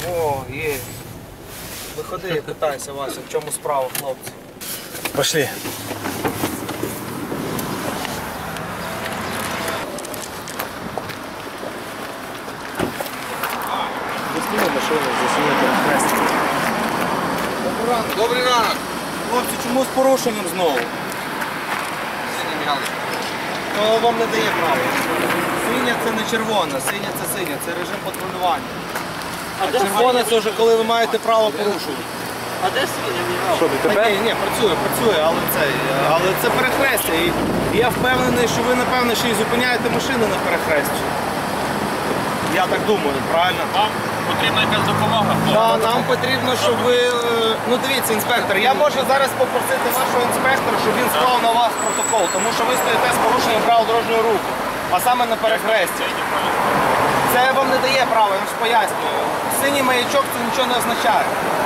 О, є. Виходи і питайся, Вася, в чому справа, хлопці. Пошли. Засніми машину, засніми перехрестя. Добрий ранок. Хлопці, чому з порушенням знову? То вам не дає права. Синя це не червона, синя це синя, це режим патрулювання. А червона це вже коли ви маєте право порушувати. А де свиня? Що, ДТП? Ні, працює, але це перехрестя. І я впевнений, що ви, напевно, ще й зупиняєте машини на перехресті. Я так думаю, правильно? Вам потрібна якась допомога? Так, нам потрібно, щоб ви... Ну дивіться, інспектор, я можу зараз попросити вашого інспектора, щоб він склав на вас протокол, тому що ви стоїте з порушенням правил дорожнього руху, а саме на перехресті. Це вам не дає права, я вам ж пояснюю. Синій маячок це нічого не означає.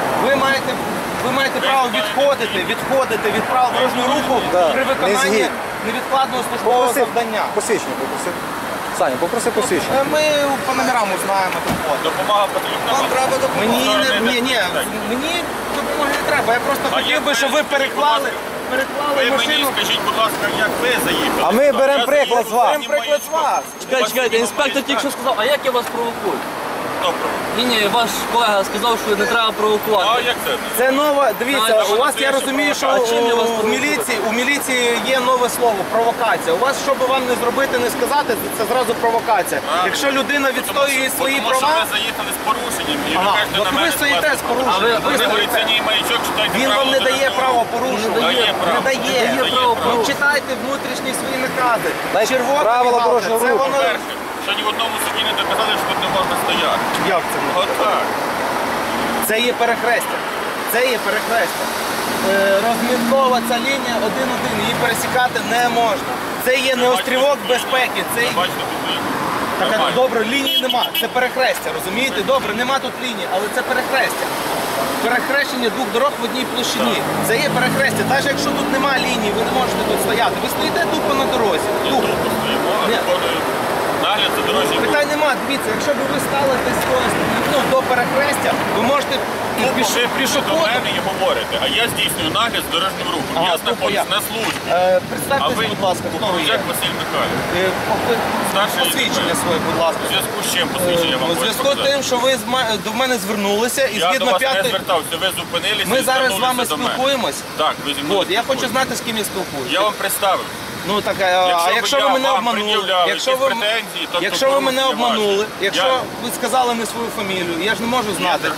Ви маєте право відходити від правил дорожнього руху при виконанні невідкладного службового завдання. Посвідчення попроси. Саня, попроси посвідчення. Ми по номерам узнаємо доходи. Допомога потрібна? Вам треба допомога? Мені допомоги не треба. Я просто хотів би, щоб ви переклали Ви мені машину. скажіть, будь ласка, як ви заїхали? А ми беремо приклад з вас. Беремо приклад з вас. Чекайте, інспектор тільки що сказав, а як я вас провокую? Добре. Ні, ваш колега сказав, що не треба провокувати. А як це? Це нова, дивіться, у вас, я розумію, що А чим я вас у міліції є нове слово – провокація. У вас, що би вам не зробити, не сказати, це зразу провокація. Якщо людина відстоює свої Тому що права, ви заїхали з порушенням і ви ага, кажете от на ви мене стоїте з порушенням. Ви говорите, ні, маячок, читайте Він правила вам не дає дорожнього право руху. порушувати. Дає право. Не дає. право. Читайте внутрішні свої накази. Дайте Червона правила мігалка, дорожнього це руху. воно... Перше, що ні в одному суді не доказали, що тут не можна стояти. Як це? Отак. Це є перехрестя. Це є перехрестя. Розміткова ця лінія 1-1, її пересікати не можна. Це є не острівок безпеки. Це... Бачите, тут лінія. Так, Нормально. добре, лінії нема. Це перехрестя, розумієте? Добре, нема тут лінії, але це перехрестя. Перехрещення двох дорог в одній площині. Це є перехрестя. Навіть якщо тут нема лінії, ви не можете тут стояти. Ви стоїте тупо на дорозі. Тупо. Тут постоїмо, а Ні. виконуємо нагляд за дорожнім рухом. Питань нема, дивіться, якщо б ви стали десь до перехрестя, ви можете Ви до пішоходом. мене і говорите, а я здійснюю нагляд з дорожнім рухом. Ага, Я тупо знаходжусь я. на службі. А Представтесь, ви, будь ласка, хто ви є. Кукурудзяк Василь Михайлович. Старший Посвідчення лейтенант. своє, будь ласка. У зв'язку з чим посвідчення вам У зв'язку з тим, що ви до мене звернулися і Я до згідно вас не 5-ї... звертався, ви зупинилися Ми і зараз з вами звернулися до мене. спілкуємось. Так, ви зі мною От, я хочу спілкуєтесь. знати, з ким я спілкуюся. Я вам представив. Ну так, а якщо ви мене обманули, якщо ви мене обманули, якщо ви сказали не свою фамілію, я ж не можу знати.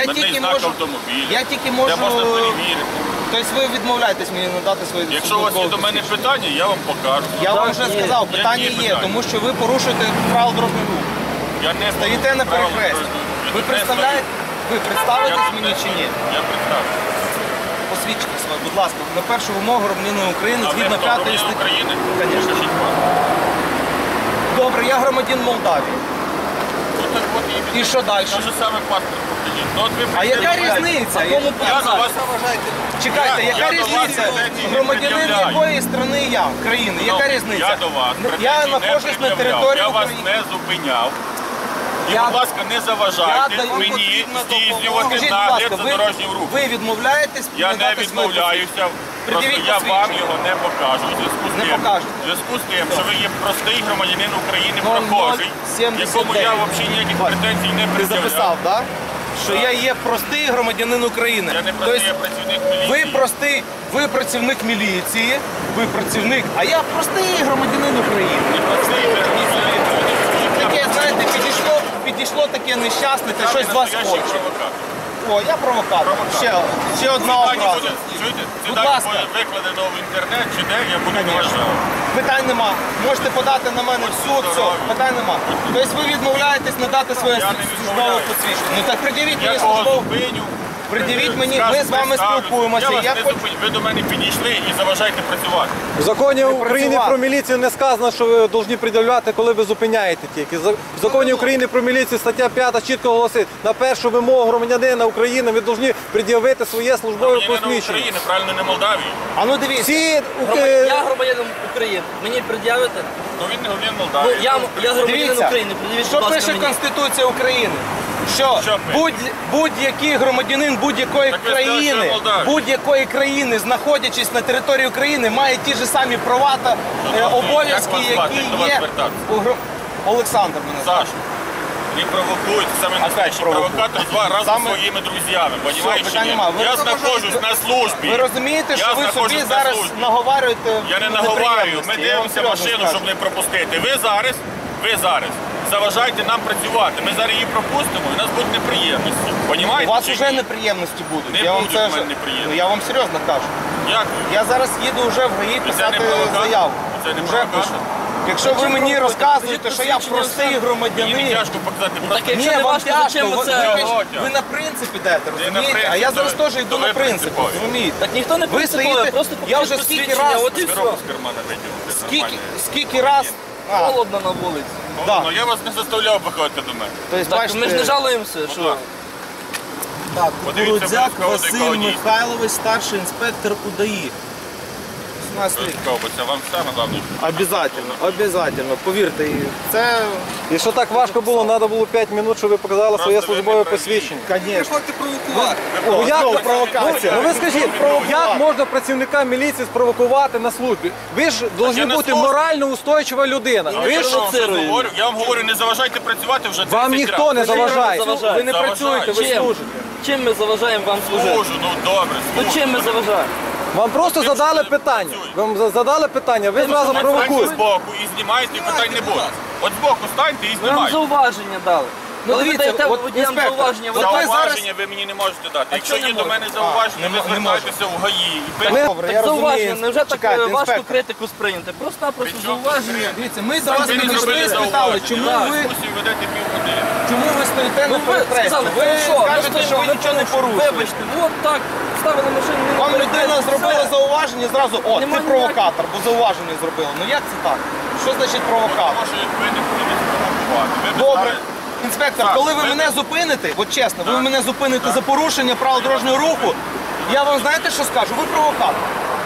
Я тільки можу. Я можна перевірити. Тобто ви відмовляєтесь мені надати свої Якщо у вас є до мене питання, я вам покажу. Я вам вже сказав, Які питання є, питання? тому що ви порушуєте правила дорожнього руху. Я не Стоїте на перехресті. Ви представляєте? Ви представитесь мені чи ні? Я представлю. Посвідчите своє, будь ласка, на першу вимогу громадянина України А ви згідно хто, 5 громадянин статті. України? Конечно. Покажіть паспорт. Добре, я громадянин Молдавії. Ну, так от і І що далі? Те ж саме паспорт покажіть. Ну, от ви А яка представляєте. різниця? Я до вас... Чекайте, Я яка до вас різниця? претензій не Громадянин пред'являю. якої країни я? країни? Яка різниця? Я до вас Я претензій не знаходжусь на пред'являв. території Я вас України. не зупиняв. І, Я- будь ласка, не заважайте даю мені потрібну здійснювати Скажіть, будь нагляд ласка, за дорожнім рухом. ви відмовляєтесь Я не надати своє відмовляюся, просто Пред'явіть я вам посвідчення. його не покажу. В зв'язку з Не тим, покажете. в зв'язку з тим, що ви є простий громадянин України, 0079. прохожий, якому я взагалі ніяких Бачите, претензій не Ти записав, пред'являв. так? Що я є простий громадянин України. Я не простий, я працівник міліції. ви простий, ви працівник міліції, ви працівник, а я простий громадянин України. Не простий, ви громадянин України. Таке, знаєте, підійшло таке нещасне, те щось з вас Настоящий хоче. провокатор. О, я провокатор. Ще одна Ці дані образа. буде, чуєте, ці Будь дані ласка. буде викладено в інтернет, чи де, я буду Конечно. вважати. Питань нема. Можете подати на мене в суд, все, питань нема. Тобто ви відмовляєтесь надати своє Я не службове відмовляюсь. посвідчення. Ну так придивіть мені Я кого службове. зупиню. Пред'явіть мені, скажу, ми з вами представлюсь. спілкуємося, Я вас я не хочу- зупиню. Ви до мене підійшли і заважаєте працювати. В законі України працювати. про міліцію не сказано, що ви повинні пред'являти, коли ви зупиняєте тільки. В законі України про міліцію стаття 5 чітко голосить, на першу вимогу громадянина України ви повинні пред'явити своє службове Громадянина посвідчення. України, правильно, не Молдавії. А ну дивіться. Всі Я громадянин України. Мені пред'явите? Ну він не громадянин Ну, Молдавії. я громадянин Дивіться, України. Пред'явіть, що будь ласка, пише мені. Конституція України? що Що будь-який громадянин будь-якої Так ви сказали, що країни, Молдавія. будь-якої країни, знаходячись на території України, має ті ж самі права та обов'язки, Як вас звати? які До вас є звертатися? Олександр мене звати. Саш, не провокуйте, саме настоящий провокують? провокатор разом Саме- зі своїми друзями, понимаєш? чи питань ні? нема. Ви Я розумієте, знаходжусь на службі. Ви розумієте, Я що ви знаходжусь собі на зараз службі. наговарюєте Я не наговарюю, ми неприємності. Я вам дивимося серйозно машину, скажу. щоб не пропустити. Ви зараз заважайте нам працювати. Ми зараз її пропустимо і у нас будуть неприємності. У Понімаєте? вас чи вже ні? неприємності будуть. Не я вам будуть це в мене вже- неприємності. Ну, я вам серйозно кажу. Як? Я зараз їду вже в ГАІ це не писати провокатор? заяву. Це не Вже провокатор? пишу. Якщо ви мені розказуєте, що я простий Мені громадянин, тяжко показати просто. Так, якщо ні, не вам важко, тяжко, зачем ви ви, це? ви на принцип ідете, розумієте? принцип, А я зараз то ви- теж йду то ви на принцип, принципові. розумієте? Так ніхто не Ви принциповий, стоїте, просто я покажіть вже скільки посвідчення, раз, от і все. Коробку з кармана виділити. скільки раз, Холодно на вулиці. да. Ну я вас не заставляв виходити до мене. Тобто, Так, бачите, ми ж не жалуємося, що... так. Так, Подивіться, Кукурудзяк будь ласка, Василь одеколоні. Михайлович, старший інспектор УДАІ. 18 років. Це вам саме головне. Обязательно, повірте, і це, Якщо так важко було, треба було 5 минут, щоб ви показали своє Просто ви службове не праві. посвідчення. звісно. Ну, як, Знову провокація. Ну ви скажіть, як можна працівника міліції спровокувати на службі? Ви ж повинні на бути службі. морально устойчива людина. Я Ви ж вам говорю, не заважайте працювати вже 30 вам ніхто не разів. заважає. заважає? Ви не Заважає. працюєте, ви Чим? служите. Чим ми заважаємо вам служити? Служу, ну добре, Ну служу. чим ми заважаємо? Вам просто Тим, задали що ви питання. працюєте. Вам задали питання, ви зразу Станьте провокуєте. збоку і знімайте, і питань не буде. От збоку станьте і Ми вам знімайте. зауваження дали. Ну, Коли ви дивіться, даєте от, водіям інспектор, зауваження, ви от ви Зауваження ви мені не можете дати. Якщо чого є не до мене зауваження, ви Не можу. звертайтеся в ГАІ. І Добре, так я зауваження, розумію. невже так Чекайте, важко інспектор. критику сприйняти? Просто-напросто При чому зауваження. Дивіться, ми до вас Ви не підійшли зробили і спитали, зауваження. чому Так, ви, дискусію ведете півгодини. чому ви стоїте Ну на ви перехресті? сказали, Ви хорошо, ми кажете, що ви стоїмо, нічого не порушуєте. Вибачте, от так, ставили машину, не Вам людина зробила зауваження, зразу, о, Нема ти провокатор, бо зауваження зробила. Ну як це так? Що значить провокатор? Тому що ви не будете спровокувати. Ви б Добре. стали- Інспектор, Так, коли ви ви- мене зупините, от чесно, ви Так. мене зупините за порушення правил дорожнього руху, я вам знаєте, що скажу? Ви провокатор.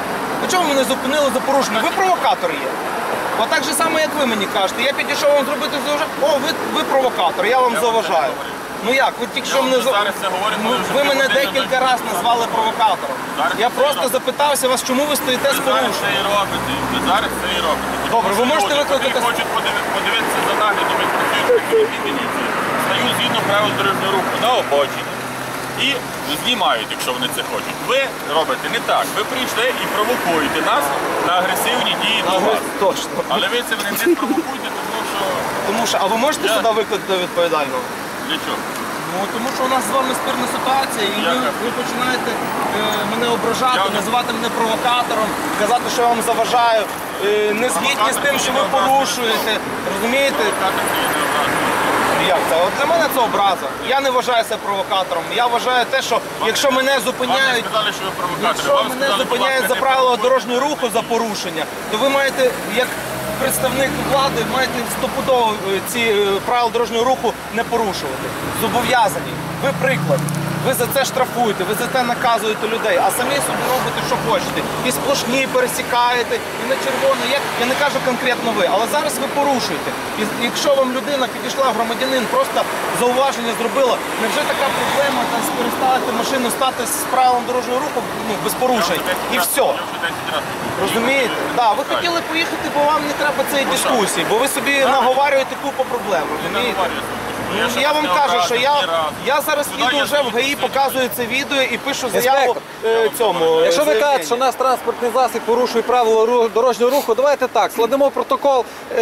А чому ви мене зупинили за порушення? Ви провокатор є. От так же само, як ви мені кажете. Я підійшов вам зробити зауваження. О, ви провокатор, я вам Я вам заважаю. це говорю. Ну як, ви тільки Я що вам мене вже зараз це говорю, Ну, коли вже ви мене півгодини декілька до- разів назвали провокатором. Зараз Я це просто робите. запитався вас, чому ви стоїте з Ви зараз порушенням. це і робите. Ви зараз це і робите. Добре, ви Тому що можете люди, викликати- котрі хочуть подивитися за наглядом, як працюють працівники міліції, стають згідно правил дорожнього руху на обочині і знімають, якщо вони це хочуть. Ви робите не так. Ви прийшли і провокуєте нас на агресивні дії до вас. Точно. Але ви це не провокуєте, тому що Тому що, а ви можете Я- сюди викликати відповідального? для чого? Ну, тому що у нас з вами спірна ситуація, і Яка? ви починаєте мене ображати, Я- називати мене провокатором, казати, що я вам заважаю, не згідні з тим, що ви порушуєте. Розумієте? Так, це є необразливо. Як це? От для мене це образа. Я не вважаю себе провокатором. Я вважаю те, що якщо мене Вам не зупиняють, сказали, що ви провокатор. якщо Вам мене сказали, будь зупиняють ласка, за не правила провокуйте. дорожнього руху за порушення, то ви маєте, як представник влади, маєте стопудово ці правила дорожнього руху не порушувати. Зобов'язані. Ви приклад. Ви за це штрафуєте, ви за це наказуєте людей, а самі собі робите, що хочете. І сплошні пересікаєте, і на червоно. Я не кажу конкретно ви, але зараз ви порушуєте. І якщо вам людина підійшла, громадянин, просто зауваження зробила, невже така проблема там переставити машину, стати з правилом дорожнього руху без порушень? І все. Я вже 10 разів. Розумієте? Так, ви хотіли поїхати, бо вам не треба цієї дискусії, бо ви собі наговарюєте купу проблем. Не Розумієте? наговорюся. Ну, я вам кажу, що я зараз їду вже в ГАІ, показую це відео і пишу заяву цьому. Якщо ви кажете, заявленню. що наш транспортний засіб порушує правила дорожнього руху, давайте так, складемо протокол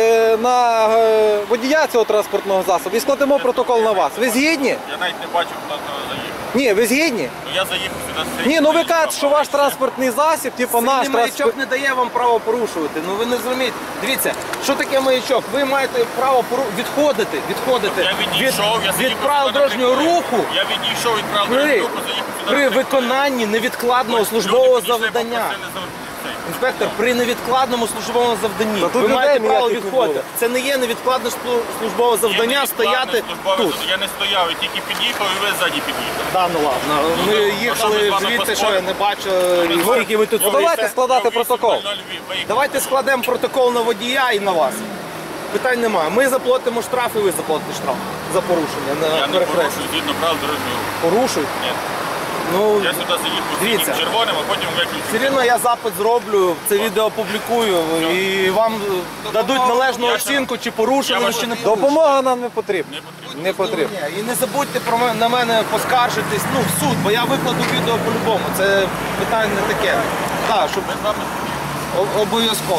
на водія цього транспортного засобу і складемо протокол на вас. Ви згідні? Я навіть не бачу, хто заїхав. Ні, ви згідні? Ну я заїхав сюди. Ні, ну ви кажете, що ваш транспортний засіб, типу наш Сильний маячок транспорт. не дає вам право порушувати. Ну ви не зрозумієте. Дивіться, що таке маячок? Ви маєте право відходити Я відійшов, я від заїхав правил сюди на дорожнього приколі. руху Я відійшов від правил при, дорожнього руху, заїхав сюди. при на приколі. виконанні невідкладного Люди службового підійшли, завдання. попросили цей. Інспектор, при невідкладному службовому завданні Та тут ви людей маєте право ніяких не відходити. було. Це не є невідкладне службове Є завдання невідкладне стояти службове тут. завдання. Я не стояв, я тільки під'їхав і ви ззаді під'їхали. Да, ну ладно. Ми ну, їхали ми з вами звідти, що поспоримо. я не бачу, Ми з вами- скільки ви тут Ну, давайте стоїте. складати протокол. 08:00 виїхали. Давайте складемо протокол на водія і на вас. Питань немає. Ми заплатимо штраф і ви заплатите штраф. за порушення Я на не перехресті? порушую згідно правил дорожнього руху. Порушують? Ні. Ну, Я сюди сидів Дивіться. постійно червоним, а потім виключу. все рівно я запит зроблю, це відео опублікую і вам дадуть належну оцінку, чи порушили ви, чи не порушили. Допомога нам не потрібна. Не потрібно. Не потрібно. Ні, і не забудьте на мене поскаржитись, ну, в суд, бо я викладу відео по-любому. Це питання не таке. Так, щоб Ми з вами обов'язково.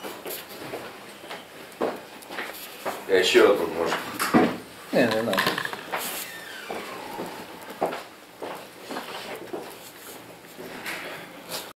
Я ще одну можу. Не надо.